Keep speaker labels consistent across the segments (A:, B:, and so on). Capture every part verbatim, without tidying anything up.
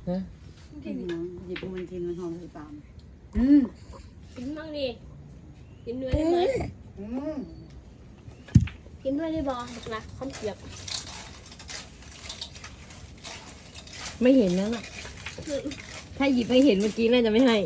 A: ฮะ
B: กินหยิบมันกินมันหอมเลยตาม
A: อืม
C: กินบ้างดิกินด้วยได้ไหม
B: อืม
C: กินด้วยได้บอนะข้าวเกรียบ
A: ไม่เห็นแล้วล่ะถ้าหยิบไม่เห็นเมื่อกี้น่าจะไม่ให้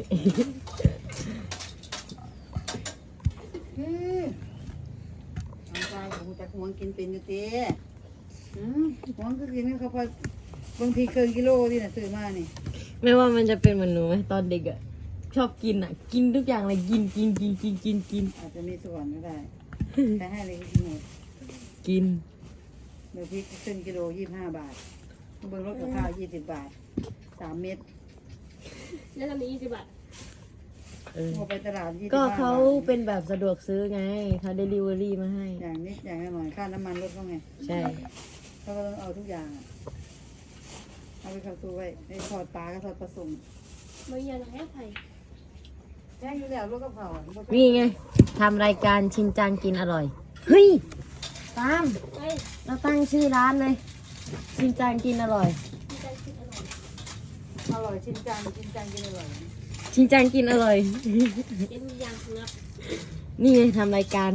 B: อืมเอาใจผมจะหวงกินเป็นอยู่เต้อืมหวงก็กินเขาพอบางทีเกินกิโลที่น่ะซื้อมานี่
A: ไม่ว่ามันจะเป็นเหมือนหนูไหมตอนเด็กอะชอบกินอะกินทุกอย่างเลยกินกินกินกินกินกิน
B: อาจจะมีส่วนก็ได้ใครให้เลยกินหมด
A: กิน
B: เดี๋ยวพริกครึ่งกิโลยี่สิบห้าบาทเบิ่งรถกับข้าวยี่สิบบาทสามเม็ด
C: แล้วจะมียี่สิบบาท
A: เออ
B: พอไปตลาดยี่สิบ
A: ก็
B: ห้าบาท
A: เขาเป็นแบบสะดวกซื้อไงเขาเดลิเวอรี่มาให้
B: อย่างนี้อย่างหน่อยค่าน้ำมันรถเขาไง
A: ใช่
B: เขาก็ต้องเอาทุกอย่างอะเอาไปเข้าตู้ไว้ไอ้ทอดปลาก็ทอดปลาสุ่ม
C: ไม่ยังให้ไผ่
B: แจ้งอยู่แล้วรถกับเขาอะ
A: นี่ไงทำรายการชินจังกินอร่อยเฮ้ยตาม
C: เฮ้ย
A: เราตั้งชื่อร้านเลย ชินจังกินอร่อย
C: มีใจคิดอร่อย
B: อร่อยชินจังชินจังกินอร่อย
A: ชินจังกินอร่อย
C: กินอย่างเงือก
A: นี่ไงทำรายการ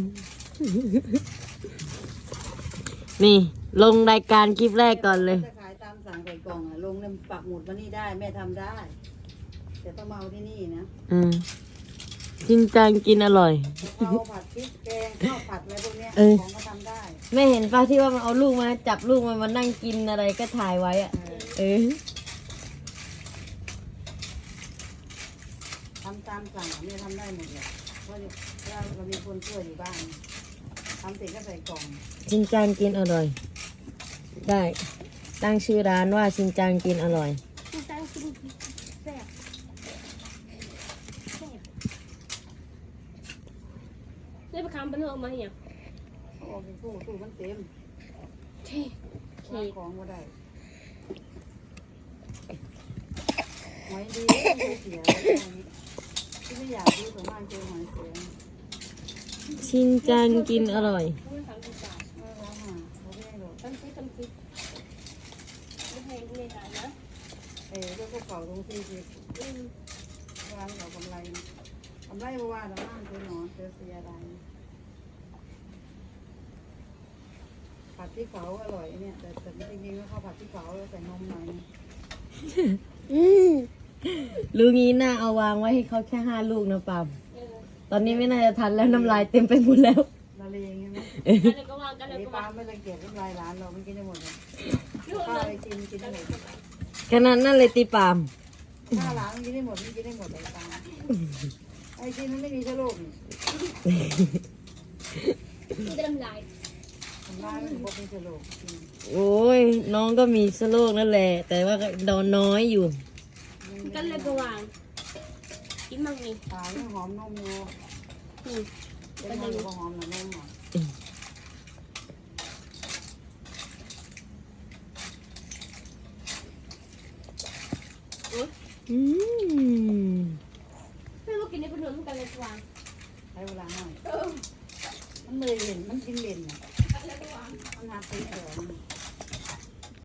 A: นี่ ลงรายการคลิปแรกก่อนเลย
B: จะขายตามสั่งใส่กล่องอะลงเนี่ยปักหมุดมานี่ได้แม่ทำได้แต่ต้องมาเอาที่นี่นะ
A: อืมชินจังกินอร่อย
B: ข้าวผัดพริกแกงข้าวผัดอะไรพวกเนี้ย
A: เออ
B: ของก็ทำได้
A: แม่เห็นป้าที่ว่ามันเอาลูกมาจับลูกมันมานั่งกินอะไรก็ถ่ายไว้อะ
B: เออ
A: เออ
B: ทำตามสั่งอะแม่ทำได้หมดเลยเพราะเราเรามีคนช่วยอยู่บ้านทำเสร็จก็ใส่กล่อง
A: ชินจังกินอร่อย ได้ ตั้งชื่อร้านว่าชินจังกินอร่อย
C: มีใจกินแซ่บแซ่บได้ประคำเป็นออกมาอย่าง
B: เขาออกไปตู้ตู้มันเต็ม
C: เท่
B: วางของก็ได้หอยดีไม่เสียที่ไม่อยากดูส่วนมากเจอหอยเสีย
A: ชินจังกินอร่อย
C: ไม่ทำที่จ่าย
B: ไม่ร้องอ่ะเขาไม่ให้หรอก
C: ทำซิทำซิไม่ให้ไม่ได้นะ
B: เออเรื่องพวกเก่าตรงที่ที่
C: อืม
B: ร้านเขากำไรกำไรเพราะว่าเราบ้านเจอหนอนเจอเสียอะไรผัดพริกเผาอร่อยเนี่ยแต่แต่จริงๆแล้วเขาผัดพริกเผาแล้วใส่นมหน่อย
A: รู้งี้น่าเอาวางไว้ให้เขาแค่ห้าลูกนะปาม
C: เออ
A: ตอนนี้ไม่น่าจะทันแล้วน้ำลายเต็มไปหมดแล้ว
B: ละเลงใช่ไหม
C: กันเลยก็วางกันเลย
B: ไอ้
C: ก็าง
B: ปลาวไม่รังเกียจน้ำลายร้านเราไม่กินได้หมดเลย
C: ยุ่ง
B: ข้าว
C: เล
B: ไป
C: ย
B: กินกินได้หมด
A: ขนาดนั้นเลยตีปาม
B: ข้าวร้านมันกินได้หมดมันกินได้หมดเลยปลาไอ้กินมันไม่มีเชื้อโรคนี่
C: มันจะทำลาย
B: ทำร้ายมันบอกเป็นเชื้อโรคกิน
A: โอ้ยน้องก็มีสโรคนั่นแหละ แต่ว่าก็โดนน้อยอยู่
C: กันเลยก็วางกินมั่งนี่
B: ปลาเนี่ยหอมนมอยู่
C: อืม
B: เป็นมันก็หอมหน่อยนมอ่ะ
A: อืม
C: ไม่ว่ากินในเป็นหนุนกันเลยก็วาง
B: ใช้เวลาหน่อย
C: เออ
B: มันเลยเห็นมันกินเล่นอ่ะ
C: กันเลยก็วาง
B: มันหาซื้อเดี๋ยว